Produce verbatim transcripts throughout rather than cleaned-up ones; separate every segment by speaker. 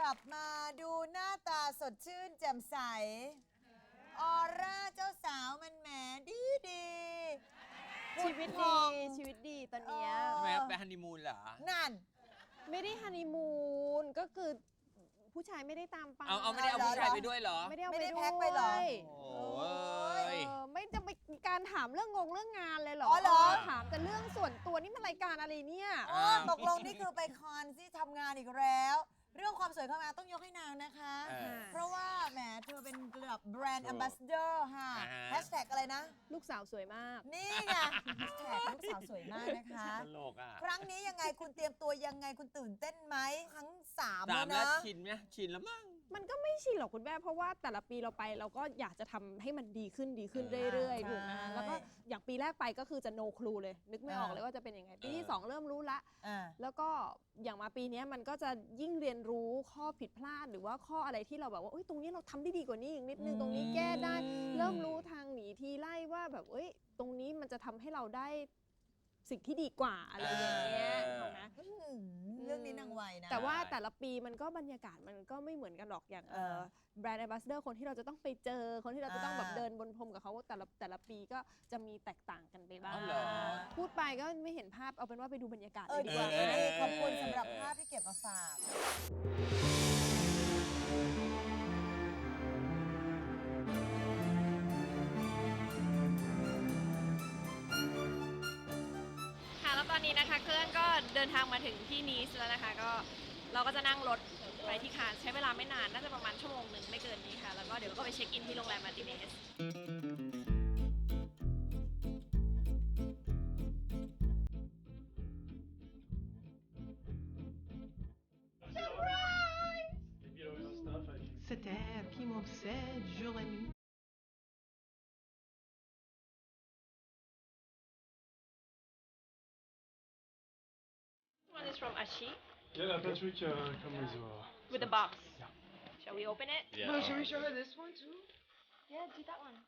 Speaker 1: ลับมาดูหน้าตาสดชื่นแจ่มใสออร่าเจ้าสาวมันแหมดีดี
Speaker 2: ชีวิตดีชีวิตดีตอนเนี้ย
Speaker 3: ทำไมไปฮันนีมูนเหรอ
Speaker 1: นั่น
Speaker 2: ไม่ได้ฮันนีมูนก็คือผู้ชายไม่ได้ตามไป
Speaker 3: เอาเอาไม่ได้เอาผู้ชายไปด้วยเหรอ
Speaker 2: ไม่ได้เอา
Speaker 1: ไม่
Speaker 2: ไป
Speaker 1: ได้
Speaker 2: ด้วย
Speaker 1: แพ็คไปเหรอ
Speaker 3: โอ้ย
Speaker 2: เออไม่จะไปการถามเรื่องงงเรื่องงานเลยเหรอ
Speaker 1: อ๋อเหรอ
Speaker 2: ถามแต่เรื่องส่วนตัวนี่มันรายการอะไรเนี่ย
Speaker 1: อ๋อตกลงนี่คือไปคอนที่ทำงานอีกแล้ว เรื่องความสวยความงามต้องยกให้นางนะคะ
Speaker 3: เออ
Speaker 1: เพราะว่าแหมเธอเป็นระดับแบรนด์แอมบาสเดอร์ค่ะ
Speaker 3: อ่าฮะ
Speaker 1: แฮชแท็กอะไรนะ
Speaker 2: ลูกสาวสวยมาก
Speaker 1: นี่ไงแฮชแท็กลูกสาวสวยมากนะคะ
Speaker 3: ตลกอ่ะ
Speaker 1: ครั้งนี้ยังไงคุณเตรียมตัวยังไงคุณตื่นเต้นไหมครั้งสาม
Speaker 3: สา
Speaker 1: แล้
Speaker 3: ม
Speaker 1: ว
Speaker 3: แล้ว
Speaker 1: นะ
Speaker 3: ชินไหมชินแล้วมั้ง
Speaker 2: มันก็ไม่ชินหรอกคุณแม่เพราะว่าแต่ละปีเราไปเราก็อยากจะทำให้มันดีขึ้นดีขึ้น
Speaker 3: เออ
Speaker 2: เรื่อย
Speaker 1: ใช่
Speaker 2: ๆถูกไหมแล้วก็อย่างปีแรกไปก็คือจะ no clue เลย นึกไม่ออก
Speaker 1: อ่า
Speaker 2: เลยว่าจะเป็นยังไง ปีที่
Speaker 3: เออ
Speaker 2: สองเริ่มรู้ละ
Speaker 1: อ่า
Speaker 2: แล้วก็อย่างมาปีนี้มันก็จะยิ่งเรียนรู้ข้อผิดพลาดหรือว่าข้ออะไรที่เราแบบว่าเอ้ยตรงนี้เราทำได้ดีกว่านี้อีกนิดนึง
Speaker 1: อืม
Speaker 2: ตรงนี้แก้ได้ เริ่มรู้ทางหนีทีไล่ว่าแบบเอ้ยตรงนี้มันจะทำให้เราได้สิ่งที่ดีกว่าอะไรอย่างเงี้ยถูกไหม
Speaker 1: อืมเรื่องนี้นางไวนะ
Speaker 2: แต่ว่าแต่ละปีมันก็บรรยากาศมันก็ไม่เหมือนกันหรอกอย่าง
Speaker 1: เออ
Speaker 2: แบรนด์แอมบาสเดอร์คนที่เราจะต้องไปเจอคนที่เราจะต้องแบบ
Speaker 1: อ่า
Speaker 2: เดินบนพรมกับเขาแต่ละแต่ละปีก็จะมีแตกต่างกันไปบ้าง
Speaker 3: อ๋อเหรอ
Speaker 2: พูดไปก็ไม่เห็นภาพเอาเป็นว่าไปดูบรรยากาศ
Speaker 1: เอ
Speaker 2: เล
Speaker 1: อย
Speaker 2: ดี
Speaker 1: ดี
Speaker 2: กว่า
Speaker 1: เออ
Speaker 2: ไหม
Speaker 1: ดีขอบคุณสำหรับภาพที่เก็บมาฝาก
Speaker 2: ค่ะแล้วตอนนี้นะคะเครื่องก็เดินทางมาถึงที่นีสแล้วนะคะก็เราก็จะนั่งรถไปที่คานใช้เวลาไม่นานน่าจะประมาณชั่วโมงหนึ่งไม่เกินนี้ค่ะแล้วก็เดี๋ยวก็ไปเช็คอินที่โรงแรมมาร์ติเนส
Speaker 4: Cette air qui m'obsède jour et nuit.
Speaker 2: One is from Ashi
Speaker 5: Yeah, la Patrick uh, come with uh,
Speaker 2: with the box.
Speaker 5: Yeah.
Speaker 2: Shall we open it?
Speaker 3: Yeah.
Speaker 5: Well, should we show her this one too?
Speaker 2: Yeah, do that one.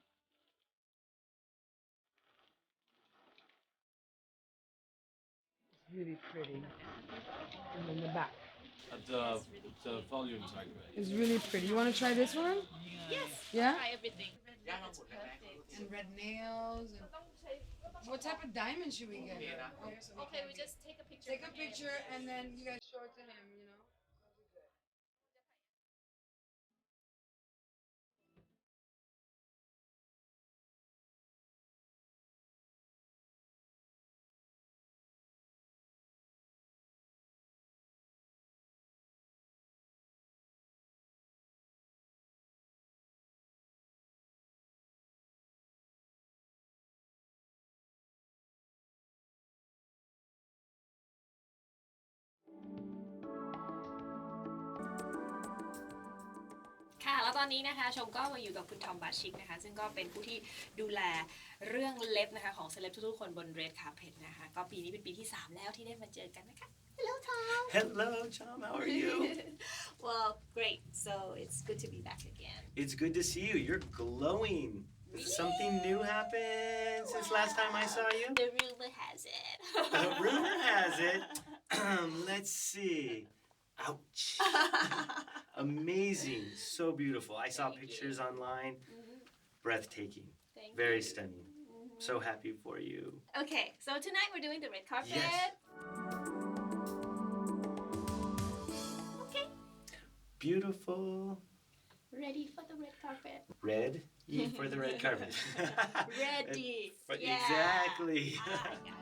Speaker 6: It's really pretty. And then the back.
Speaker 5: At the, the volume tag.
Speaker 6: It's really pretty. You want to try this one?
Speaker 2: Yes.
Speaker 6: Yeah?
Speaker 2: Try everything.
Speaker 6: And red nails. And what type of diamond should we get her?
Speaker 2: Okay, we just take a picture.
Speaker 6: Take a picture and then you guys show it to him, you know? That'll be good.
Speaker 2: ค่ะแล้วตอนนี้นะคะชมก็มาอยู่กับคุณทอมบาชิกนะคะซึ่งก็เป็นผู้ที่ดูแลเรื่องเล็บนะคะของเซเลบทุกๆคนบน Red Carpet นะคะก็ปีนี้เป็นปีที่สามแล้วที่ได้มาเจอกันนะคะ Hello Tom
Speaker 7: Hello, Tom. How are you?
Speaker 2: Well great so it's good to be back again
Speaker 7: It's good to see you. You're glowing. Something new happened since last time I saw you?
Speaker 2: The rumor has it
Speaker 7: The rumor has it. Let's see. Ouch. Amazing. So beautiful. I saw
Speaker 2: Thank
Speaker 7: pictures
Speaker 2: you.
Speaker 7: online.
Speaker 2: Mhm.
Speaker 7: Breathtaking.
Speaker 2: Thank
Speaker 7: Very
Speaker 2: you.
Speaker 7: stunning.
Speaker 2: Mhm.
Speaker 7: So happy for you.
Speaker 2: Okay so tonight we're doing the red carpet
Speaker 7: Yes.
Speaker 2: Okay
Speaker 7: Beautiful.
Speaker 2: ready for the red carpet
Speaker 7: Red for the red carpet.
Speaker 2: Ready
Speaker 7: But
Speaker 2: yeah.
Speaker 7: Exactly.
Speaker 2: Ah, I got it.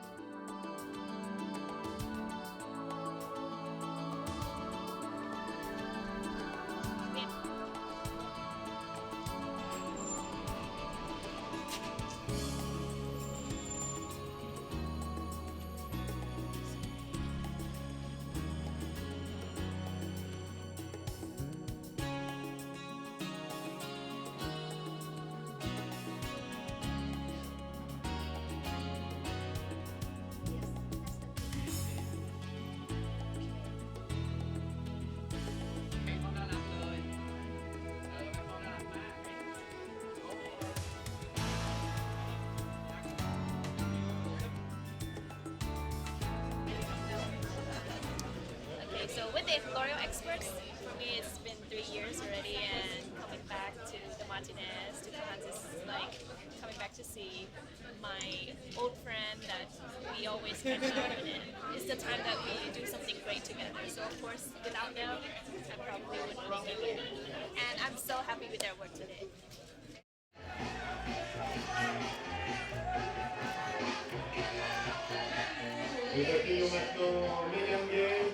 Speaker 2: So with the L'Oreal experts, for me it's been three years already, and coming back to the Martinez, to Cannes is like coming back to see my old friend that we always catch up, and it's the time that we do something great together. So of course, without them, I probably wouldn't be here. And I'm so happy with their work today.
Speaker 8: Desafío Maestro Medium Game.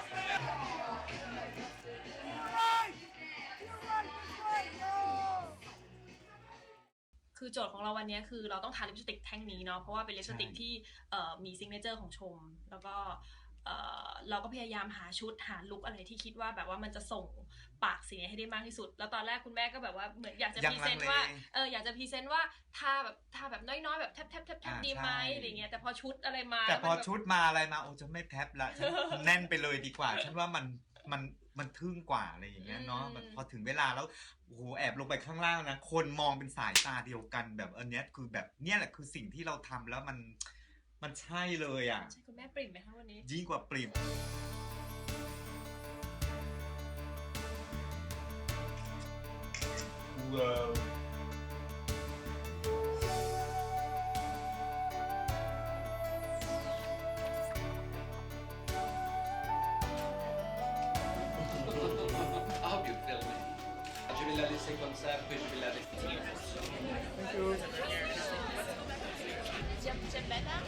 Speaker 2: คือโจทย์ของเราวันนี้คือเราต้องทาลิปสติกแท่งนี้เนาะเพราะว่าเป็นลิปสติกที่เอ่อมีซิกเนเจอร์ของชมแล้วก็เอ่อเราก็พยายามหาชุดหาลุคอะไรที่คิดว่าแบบว่ามันจะส่งปากสีให้ได้มากที่สุดแล้วตอนแรกคุณแม่ก็แบบว่าเหมือนอยากจะพรีเซนต์ว่าเอออยากจะพรีเซนต์ว่าทาแบบทาแบบน้อยๆแบบแทบแทบแทบแทบดีไหมอะไรเงี้ยแต่พอชุดอะไรมา
Speaker 9: แต่พอชุดมาอะไรมาโอ้จะไม่แทบละฉันแน่นไปเลยดีกว่าฉันว่ามันมันมันทึ่งกว่าอะไรอย่างเงี้ยเนาะพอถึงเวลาแล้วโอ้โหแอบลงไปข้างล่างนะคนมองเป็นสายตาเดียวกันแบบอันเนี้ยคือแบบเนี้ยแหละคือสิ่งที่เราทำแล้วมันมันใช่เลยอ่ะ
Speaker 2: ใช่คุณแม่ปริ่มไหมคะวันนี้
Speaker 9: ยิ่งกว่าปริ่มว้าว
Speaker 10: I hope you feel me. Je vais la laisser comme ça, puis je vais la laisser.
Speaker 2: J'aime j'aime better.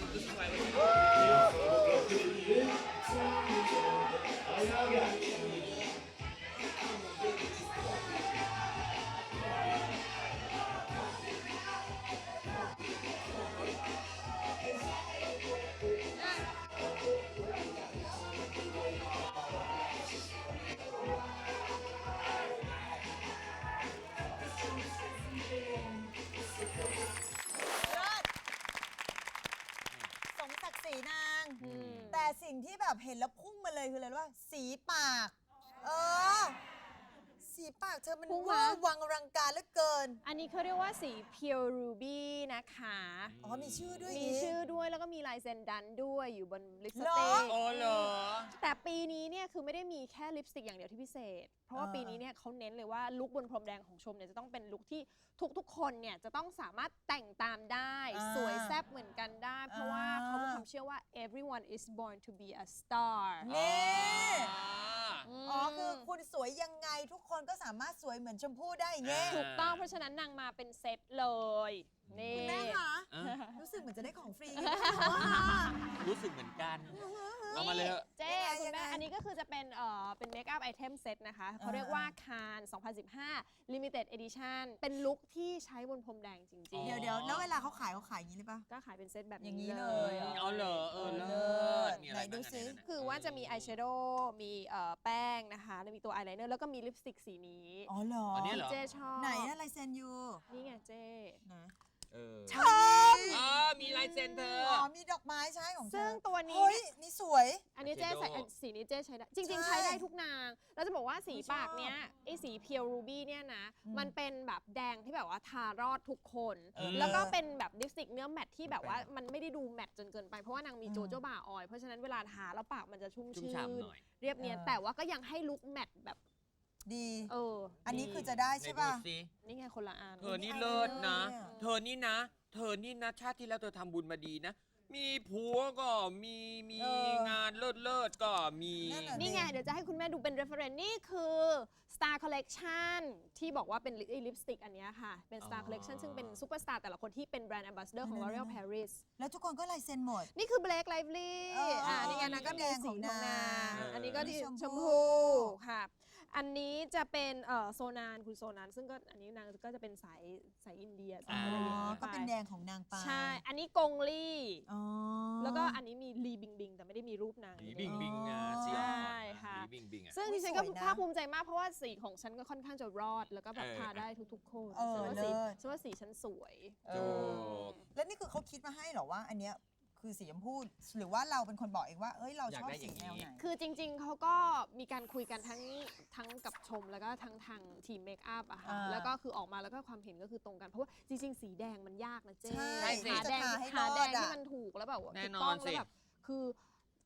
Speaker 1: นางแต่สิ่งที่แบบเห็นแล้วพุ่งมาเลยคืออะไรรู้ป่ะสีปากเออสีปากเธอมันว่าวังรังการเหลือเกิน
Speaker 11: อันนี้เขาเรียกว่าสี Pure Ruby นะคะ
Speaker 1: อ๋อมีชื่อด้วย
Speaker 11: มีชื่อด้วยแล้วก็มีลายเซ็นดันด้วยอยู่บนลิปส
Speaker 1: ติ
Speaker 11: ก
Speaker 3: อ๋อเหรอ
Speaker 11: แต่ปีนี้เนี่ยคือไม่ได้มีแค่ลิปสติกอย่างเดียวที่พิเศษเพราะว่าปีนี้เนี่ยเขาเน้นเลยว่าลุคบนพรมแดงของชมเนี่ยจะต้องเป็นลุคที่ทุกๆคนเนี่ยจะต้องสามารถแต่งตามได้สวยแซ่บเหมือนกันได้เพราะว่าเขามีความเชื่อว่า everyone is born to be a star
Speaker 1: นี่อ๋อคือคุณสวยยังไงทุกคนก็สามารถสวยเหมือนชมพู่ได้เงี้ย
Speaker 11: ถูกต้องเพราะฉะนั้นนางมาเป็นเซตเลยนี่
Speaker 1: คุณแม่คะรู้สึกเหมือนจะได้ของฟรี
Speaker 3: รู้สึกเหมือนกันเอามาเลย
Speaker 11: เจ๊คุณแม่อันนี้ก็คือจะเป็นเอ่อเป็นเมคอัพไอเทมเซตนะคะเขาเรียกว่าคานสองพันสิบห้า Limited Edition เป็นลุคที่ใช้บนพรมแดงจริงๆ
Speaker 1: เดี๋ยวเดี๋ยวแล้วเวลาเขาขายเขาขายอย่างนี้เลยปะ
Speaker 11: ก็ขายเป็นเซตแบบ
Speaker 1: นี้เลย
Speaker 3: อ๋อเหรอเออเลิศ
Speaker 1: ไหนดูซิ
Speaker 11: คือว่าจะมีอายแชโดว์มีเอ่อแป้งนะคะแล้วมีตัวอายไลเนอร์แล้วก็มีลิปสติกสีนี้
Speaker 1: อ๋อเหรอ
Speaker 3: อันนี้เหรอ
Speaker 11: เจ๊ชอบ
Speaker 1: ไหนอะลายเซ็นยู
Speaker 11: นี่ไงเจ๊
Speaker 1: นะ
Speaker 3: เออ
Speaker 1: ชอบ
Speaker 3: อ๋อมีลายเซ็นเธอ
Speaker 1: อ๋อมีดอกไม้ใช่ของเธอ
Speaker 11: ซึ่งตัวนี้
Speaker 1: เฮ้ยนี่สวย
Speaker 11: อันนี้เจ๊ใส่สีนี้เจ๊ใช้ได้จริงๆใช้ได้ทุกนางเราจะบอกว่าสีปากเนี้ยไอ้สีเพียวรูบี้เนี่ยนะมันเป็นแบบแดงที่แบบว่าทารอดทุกคนแล้วก็เป็นแบบลิปสติกเนื้อแมตที่แบบว่ามันไม่ได้ดูแมตจนเกินไปเพราะว่านางมีโจโจบาออยเพราะฉะนั้นเวลาทาแล้วปากมันจะชุ่มชื่นเรียบเนียนแต่ว่าก็ยังให้ลุคแมตแบบ
Speaker 1: ดี
Speaker 11: เออ
Speaker 1: อันนี้คือจะได้ใช่ป่ะ
Speaker 11: นี่ไงคนละอัน
Speaker 3: เธอนี่เลิศนะเธอนี่นะเธอนี่นะชาติที่แล้วเธอทำบุญมาดีนะมีผัวก็มีมีงานเลิศเลิศก็มี
Speaker 11: นี่ไงเดี๋ยวจะให้คุณแม่ดูเป็น reference นี่คือ Star Collection ที่บอกว่าเป็นลิปสติกอันนี้ค่ะเป็น Star Collection ซึ่งเป็นซูเปอร์สตาร์แต่ละคนที่เป็นแบรนด์ Ambassador ของ L'Oreal Paris
Speaker 1: แล้วทุกคนก็ลายเซ็นหมด
Speaker 11: นี่คือ Blake Lively อ่านี่ไงนะก็มีสีของนางอันนี้ก็ชมพูค่ะอันนี้จะเป็นเอ่อโซนานคุณโซนานซึ่งก็อันนี้นางก็จะเป็นสายสายอินเดียสายอะไรอย่างเงี้ย
Speaker 1: ก็เป็นแดงของนางปา
Speaker 11: ใช่อันนี้กงลี่แล้วก็อันนี้มีลีบิงบิงแต่ไม่ได้มีรูปนาง
Speaker 3: ลีบิงบิงอ่ะ
Speaker 11: ใช่ค่ะซึ่งดิฉันก็ภาคภูมิใจมากเพราะว่าสีของฉันก็ค่อนข้างจะรอดแล้วก็แบบทาได้ทุกๆคนฉันว่าสีฉันว่าสีฉันสวย
Speaker 1: แล้วนี่คือเขาคิดมาให้เหรอว่าอันเนี้ยคือสีชมพูหรือว่าเราเป็นคนบอกเองว่าเอ้ยเราชอบสีแนวไหน
Speaker 11: คือจริงๆเขาก็มีการคุยกันทั้งทั้งกับชมแล้วก็ทั้งทางทีมเมคอัพอะค่ะแล้วก็คือออกมาแล้วก็ความเห็นก็คือตรงกันเพราะว่าจริงๆสีแดงมันยากนะเจ๊หาแดงหาแดงที่มันถูกแล้วแบบถูกต้องแล้วแบบคือ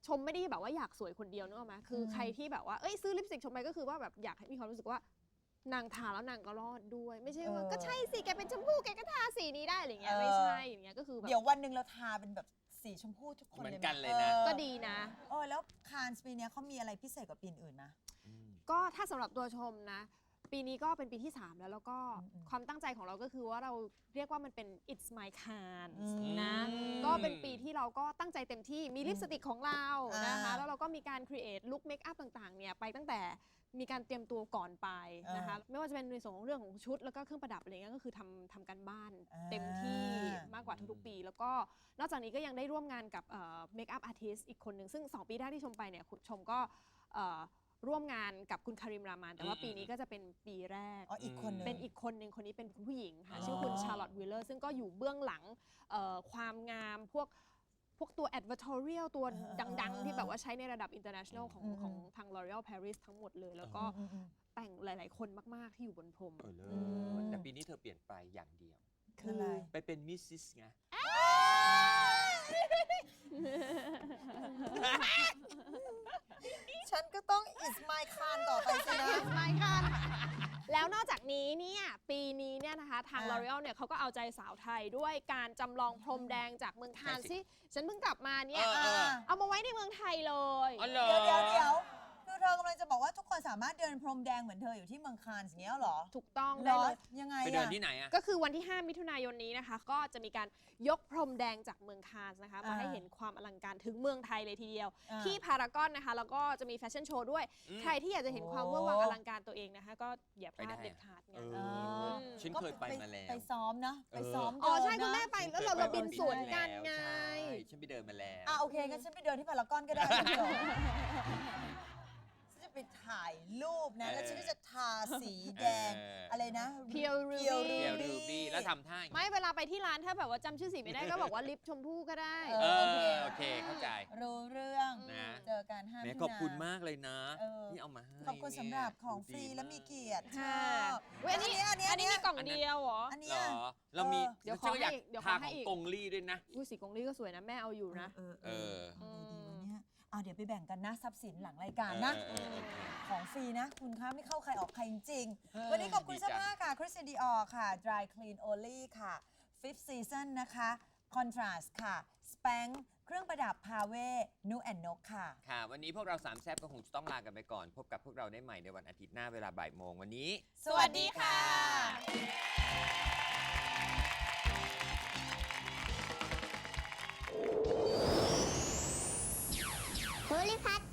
Speaker 11: ชมไม่ได้แบบว่าอยากสวยคนเดียวนึกออกไหมคือใครที่แบบว่าเอ้ยซื้อลิปสติกชมไปก็คือว่าแบบอยากให้มีความรู้สึกว่านางทาแล้วนางก็รอดด้วย ไม่ใช่ว่าก็ใช่สิแกเป็นชมพู่แกก็ทาสีนี้ได้อะไรเงี้ยไม่ใช่อย่างเงี้ยก็คือแบบ
Speaker 1: เดี๋ยววันหนึ่งเราทาเป็นแบบสีชมพูทุกคน
Speaker 3: เหมือน
Speaker 1: เลยไห
Speaker 3: กันเลยนะ
Speaker 1: ออ
Speaker 11: ก็ดีนะ
Speaker 1: เออแล้วคานส์ปีเนี้ยเขามีอะไรพิเศษกว่าปีอื่นๆนะ
Speaker 11: ก็ถ้าสำหรับตัวชมนะ ปีนี้ก็เป็นปีที่ สาม แล้วแล้วก็
Speaker 1: อืม
Speaker 11: ความตั้งใจของเราก็คือว่าเราเรียกว่ามันเป็น it's my can
Speaker 1: อืม
Speaker 11: นะ ก็เป็นปีที่เราก็ตั้งใจเต็มที่มีลิปสติกของเรานะคะ
Speaker 1: อ่า
Speaker 11: แล้วเราก็มีการ create look make up ต่างๆเนี่ยไปตั้งแต่มีการเตรียมตัวก่อนไปนะคะ
Speaker 1: อ่า
Speaker 11: ไม่ว่าจะเป็นในส่วนของเรื่องของชุดแล้วก็เครื่องประดับอะไรเงี้ยก็คือทำทำกันบ้าน
Speaker 1: อ่า
Speaker 11: เต็มที่มากกว่าทุกๆปี แล้วก็นอกจากนี้ก็ยังได้ร่วมงานกับเมคอัพอาร์ติสอีกคนหนึ่งซึ่งสองปีแรกที่ชมไปเนี่ยคุณชมก็เอ่อร่วมงานกับคุณคาริมรามานแต่ว่า
Speaker 3: อืม
Speaker 11: ปีนี้ก็จะเป็นปีแรก
Speaker 1: อ๋ออีกคนหนึง
Speaker 11: เป็นอีกคนหนึ่งคนนี้เป็นคุณผู้หญิงค่ะ
Speaker 1: อ๋อ
Speaker 11: ชื่อคุณชาร์ลอตต์วิลเลอร์ซึ่งก็อยู่เบื้องหลังเอ่อความงามพวกพวกตัว advertorial ตัวดัง ๆ ที่แบบว่าใช้ในระดับ international ของ
Speaker 1: อืม
Speaker 11: ของทาง L'Oreal Paris ทั้งหมดเลย แล้วก็
Speaker 1: อืมอืม
Speaker 11: แต่งหลาย ๆ คนมาก ๆ ที่อยู่บนพรม
Speaker 3: เออเล
Speaker 1: อืม
Speaker 3: ยแต่ปีนี้เธอเปลี่ยนไปอย่างเดียว
Speaker 1: คืออะไร
Speaker 3: ไปเป็นมิสซิสไง
Speaker 1: ฉันก็ต้อง is my can ต่อไปสินะ
Speaker 11: ไม่ค่ะแล้วนอกจากนี้เนี่ยปีนี้เนี่ยนะคะทาง
Speaker 1: อ่า
Speaker 11: L'Oreal เนี่ยเขาก็เอาใจสาวไทยด้วยการจำลองพรมแดงจากเมืองคาน
Speaker 3: ใช่สิ
Speaker 11: ที่ฉันเพิ่งกลับมาเนี่ย
Speaker 3: เออเออ
Speaker 11: เอามาไว้ในเมืองไทยเลย
Speaker 3: อ๋อเหรอ
Speaker 1: เดี๋ยวเดี๋ยวเดี๋ยวคือเธอกำลังจะบอกว่าทุกคนสามารถเดินพรมแดงเหมือนเธออยู่ที่เมืองคานส์อย่างเงี้ยเหรอ
Speaker 11: ถูกต้อง
Speaker 1: เหร
Speaker 11: ได้
Speaker 1: อ
Speaker 11: เลย
Speaker 1: ยังไง
Speaker 3: ไปเดิน
Speaker 1: อะ
Speaker 3: ที่ไหนอะ
Speaker 11: ก็คือวันที่ ห้า มิถุนายนนี้นะคะ ก็จะมีการยกพรมแดงจากเมืองคานส์นะคะ มา
Speaker 1: อ่า
Speaker 11: ให้เห็นความอลังการถึงเมืองไทยเลยทีเดียว
Speaker 1: อ่า
Speaker 11: ที่พารากอนนะคะ แล้วก็จะมีแฟชั่นโชว์ด้วย
Speaker 3: อืม
Speaker 11: ใครที่อยากจะเห็นความ
Speaker 1: โอ้
Speaker 11: เวอร์วังอลังการตัวเองนะคะ ก็อย่าพลาด
Speaker 3: ไปได้
Speaker 11: เด็ดขาดไง
Speaker 3: เอ
Speaker 1: เออ
Speaker 3: ฉันเคยไปมาแล้ว
Speaker 1: ไปซ้อมนะ ไป
Speaker 3: เออ
Speaker 1: ซ้อม
Speaker 11: อ๋อ
Speaker 1: เดิน
Speaker 11: ใช่คุณ
Speaker 1: นะ
Speaker 11: แม่ไปแล้วเราเราบินสวนกันไง
Speaker 3: ใช่ฉันไปเดินมาแล้ว
Speaker 1: อ่ะโอเคงั้นฉันไปเดินที่พารากอนก็ได้ไม่เกี่ยวฉันจะไปถ่ายรูปนะ แล้วฉันก็จะทาสีแดง
Speaker 3: เอออ
Speaker 1: อะไรนะ
Speaker 11: Pure Ruby
Speaker 3: เดียวรูบี้แล้วทำท่าอย่าง
Speaker 11: ไม่
Speaker 3: งี้
Speaker 11: เวลาไปที่ร้านถ้าแบบว่าจำชื่อสีไม่ได้ก็บอกว่าลิปชมพู่ก็ได้
Speaker 1: เอ
Speaker 3: เอ
Speaker 1: อ
Speaker 3: อโอเคเข้าใจ
Speaker 1: รู้เรื่อง
Speaker 3: นะ
Speaker 1: เจอกันห้า
Speaker 3: แหม่
Speaker 1: มิถุนา
Speaker 3: ขอบคุณมากเลยนะ
Speaker 1: เออ
Speaker 3: ที่เอามาให้
Speaker 1: ขอบคุณสำหรับของฟรี
Speaker 3: ดูดี
Speaker 1: และมีเกียรติ
Speaker 11: ค่ะ
Speaker 1: ชอบ
Speaker 11: เว้ยอันนี้
Speaker 1: อันนี้
Speaker 11: อั
Speaker 1: อั
Speaker 11: น
Speaker 1: น
Speaker 11: นี้
Speaker 1: นี้
Speaker 11: มีกล่องเดียวเหรอ
Speaker 1: อัน
Speaker 3: เห
Speaker 1: เนี้
Speaker 3: ร
Speaker 1: ย
Speaker 3: อ เรามี
Speaker 11: เดี๋ยวขอ
Speaker 3: ฉันก็อยาก
Speaker 11: ให้เดี๋ยวขอ
Speaker 3: ทา
Speaker 11: ให้
Speaker 3: ของ
Speaker 11: อีก
Speaker 3: กงลี่ด้วยนะ
Speaker 11: อุ้ยสีกงลี่ก็สวยนะแม่เอาอยู่นะ
Speaker 1: เออ
Speaker 3: เออ
Speaker 1: ทำไงดีวะเนี่ยอ่ะเดี๋ยวไปแบ่งกันนะทรัพย์สินหลังรายการนะ
Speaker 3: เออเออเออ
Speaker 1: ของฟรีนะ คุณคะไม่เข้าใครออกใครจริง
Speaker 3: เออ
Speaker 1: ๆวันนี้ขอบคุณ
Speaker 3: ดี
Speaker 1: เสื้อ
Speaker 3: จัง
Speaker 1: ผ้าค่ะ Christian Dior ค่ะ Dry Clean Only ค่ะ Fifth Season นะคะ Contrast ค่ะ Spank เครื่องประดับ Pave Nu and Nok ค่ะ
Speaker 3: ค่ะ วันนี้พวกเราสามแซ่บก็คงจะต้องลากันไปก่อน พบกับพวกเราได้ใหม่ในวันอาทิตย์หน้าเวลาบ่ายโมงวันนี้
Speaker 1: สวัสดีค่ะ
Speaker 12: โพลิพัท